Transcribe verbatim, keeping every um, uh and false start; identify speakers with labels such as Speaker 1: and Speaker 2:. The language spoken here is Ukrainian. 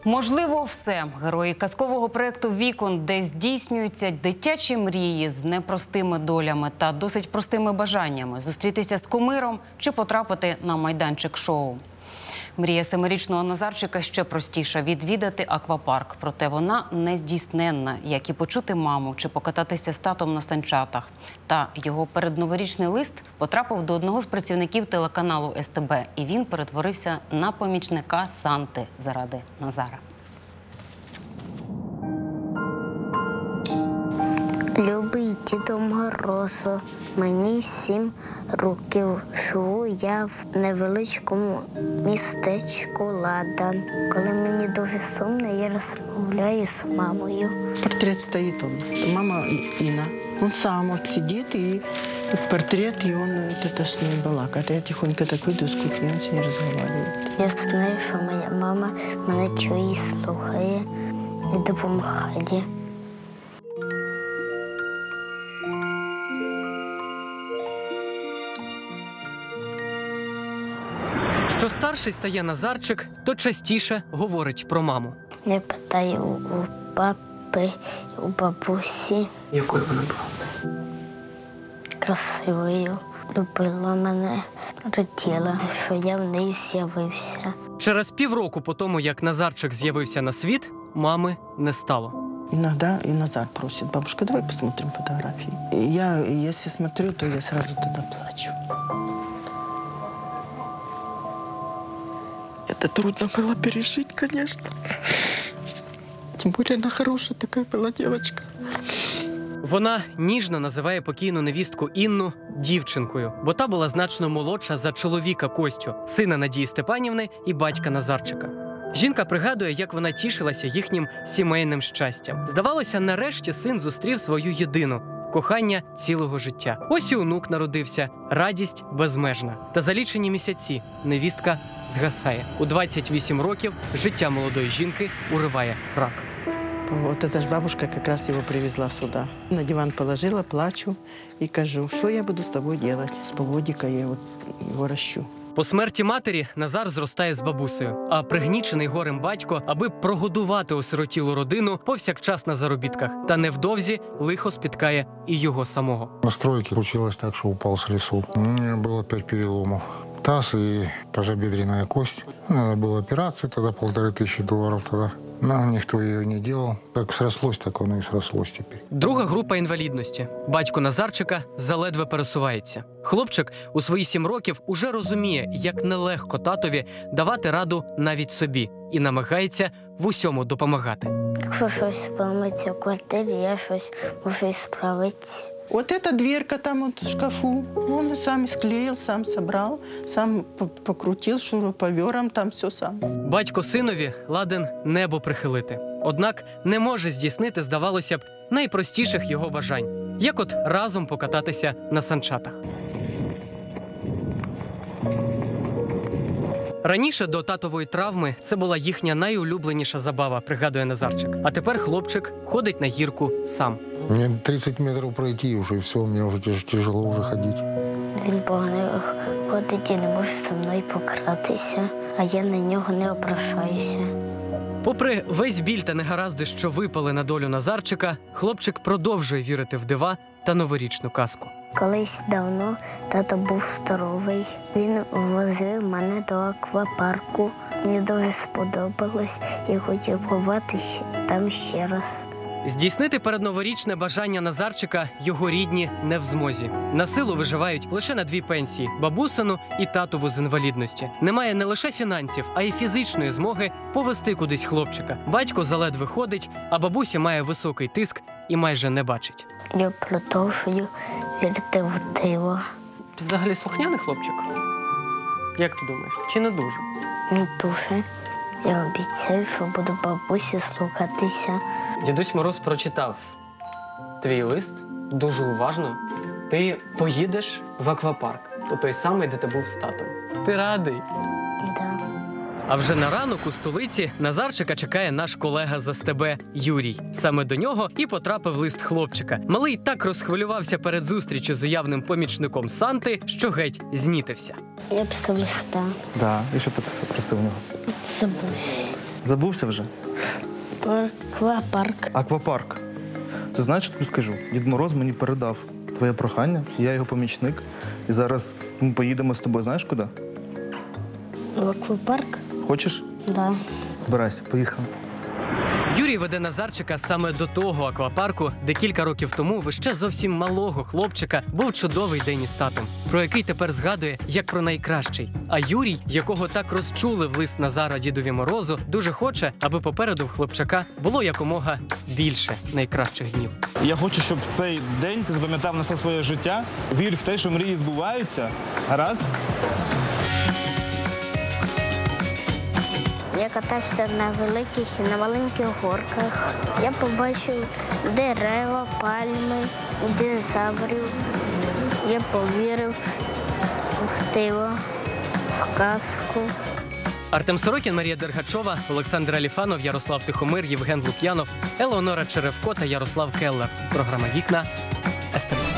Speaker 1: Можливо, все. Герої казкового проєкту «Вікон», де здійснюються дитячі мрії з непростими долями та досить простими бажаннями – зустрітися з кумиром чи потрапити на майданчик шоу. Мрія семирічного Назарчика ще простіша – відвідати аквапарк. Проте вона нездійсненна, як і почути маму чи покататися з татом на санчатах. Та його передноворічний лист потрапив до одного з працівників телеканалу ес те бе. І він перетворився на помічника Санти заради Назара.
Speaker 2: Любий Діду Морозу, мені сім років. Живу я в невеличкому містечку Ладан. Коли мені дуже сумно, я розмовляю з мамою.
Speaker 3: Портрет стоит он. Мама Инна. Он сам вот сидит, и портрет, и он это с ней балакает. Я тихонько так выйду с кухни, он с ней разговаривает.
Speaker 2: Я знаю, що моя мама мене чує, слухає і допомагає.
Speaker 4: Що старший стає Назарчик, то частіше говорить про маму.
Speaker 2: Я питаю у папи, у бабусі.
Speaker 3: Якою вона була?
Speaker 2: Красивою. Любила мене, раділа, що я в неї з'явився.
Speaker 4: Через півроку по тому, як Назарчик з'явився на світ, мами не стало.
Speaker 3: Иногда и Назар просит: бабушка, давай посмотрим фотографии. И я, если смотрю, то я сразу тогда плачу. Это трудно было пережить, конечно. Тем более она хорошая такая была девочка.
Speaker 4: Вона ніжно називає покійну невістку Інну дівчинкою, бо та була значно молодша за чоловіка Костю, сина Надії Степанівни і батька Назарчика. Жінка пригадує, як вона тішилася їхнім сімейним щастям. Здавалося, нарешті син зустрів свою єдину – кохання цілого життя. Ось і онук народився, радість безмежна. Та за лічені місяці невістка згасає. У двадцять вісім років життя молодої жінки уриває рак.
Speaker 3: Вот эта ж бабушка как раз его привезла сюда. На диван положила, плачу и кажу: что я буду с тобой делать? С полгодика я вот его ращу.
Speaker 4: По смерті матері Назар зростає з бабусею, а пригнічений горем батько, аби прогодувати осиротілу родину, повсякчас на заробітках. Та невдовзі лихо спіткає і його самого.
Speaker 5: На стройке случилось так, что упал с лесу. У меня было пять переломов. Таз и тазобедренная кость. Надо было операцию, тогда полторы тысячи долларов тогда. Но никто ее не делал. Как срослось, так оно и срослось теперь.
Speaker 4: Друга група інвалідності. Батько Назарчика заледве пересувається. Хлопчик у свої сім років уже розуміє, як нелегко татові давати раду навіть собі. І намагається в усьому допомагати.
Speaker 2: Якщо щось поламається в квартирі, я щось можу і справити.
Speaker 3: Вот эта дверка там вот в шкафу, он сам склеил, сам собрал, сам покрутил шуруповером, там все сам.
Speaker 4: Батько синові ладен небо прихилити. Однак не може здійснити, здавалося б, найпростіших його бажань. Як от разом покататися на санчатах. Раніше до татової травми це була їхня найулюбленіша забава, пригадує Назарчик. А тепер хлопчик ходить на гірку сам.
Speaker 5: Мне тридцать метров пройти уже, и все, мне уже тяж- тяжело уже ходить.
Speaker 2: Він погано ходить і не може зі мною пократися, а я на нього не ображаюся.
Speaker 4: Попри весь біль та негаразди, що випали на долю Назарчика, хлопчик продовжує вірити в дива та новорічну казку.
Speaker 2: Колись давно тато був здоровий. Він возив мене до аквапарку. Мені дуже сподобалось і хотів побувати там ще раз.
Speaker 4: Здійснити передноворічне бажання Назарчика його рідні не в змозі. На силу виживають лише на дві пенсії – бабусину і татову з інвалідності. Немає не лише фінансів, а й фізичної змоги повести кудись хлопчика. Батько заледве ходить, а бабуся має високий тиск і майже не бачить.
Speaker 2: Я продовжую вірити в диво.
Speaker 4: Ти взагалі слухняний хлопчик? Як ти думаєш, чи не дуже?
Speaker 2: Не дуже. Я обіцяю, що буду бабусі слухатися.
Speaker 4: Дідусь Мороз прочитав твій лист дуже уважно. Ти поїдеш в аквапарк, у той самий, де ти був з татом. Ти радий?
Speaker 2: Да.
Speaker 4: А вже на ранок у столиці Назарчика чекає наш колега з ес те бе Юрій. Саме до нього і потрапив лист хлопчика. Малий так розхвилювався перед зустрічю з уявним помічником Санти, що геть знітився.
Speaker 2: Я писав листа.
Speaker 6: Да, і що ти писав, просив у нього?
Speaker 2: Забувся.
Speaker 6: Забувся вже?
Speaker 2: Аквапарк.
Speaker 6: Аквапарк. Ти знаєш, що тобі скажу? Дід Мороз мені передав твоє прохання, я його помічник. І зараз ми поїдемо з тобою, знаєш куди?
Speaker 2: В аквапарк?
Speaker 6: Хочеш?
Speaker 2: Да.
Speaker 6: Збирайся, поїхали.
Speaker 4: Юрій веде Назарчика саме до того аквапарку, де кілька років тому в ще зовсім малого хлопчика був чудовий день із татом, про який тепер згадує як про найкращий. А Юрій, якого так розчулив лист Назара Дідові Морозу, дуже хоче, аби попереду в хлопчака було якомога більше найкращих днів.
Speaker 6: Я хочу, щоб цей день ти запам'ятав на все своє життя. Вір в те, що мрії збуваються. Гаразд?
Speaker 2: Я катався на великих і на маленьких горках. Я побачив дерева, пальми, динозаврів. Я повірив в диво, в казку.
Speaker 4: Артем Сорокін, Марія Дергачова, Олександр Аліфанов, Ярослав Тихомир, Євген Лук'янов, Елеонора Черевко та Ярослав Келлер. Програма «Вікна» ес те ве.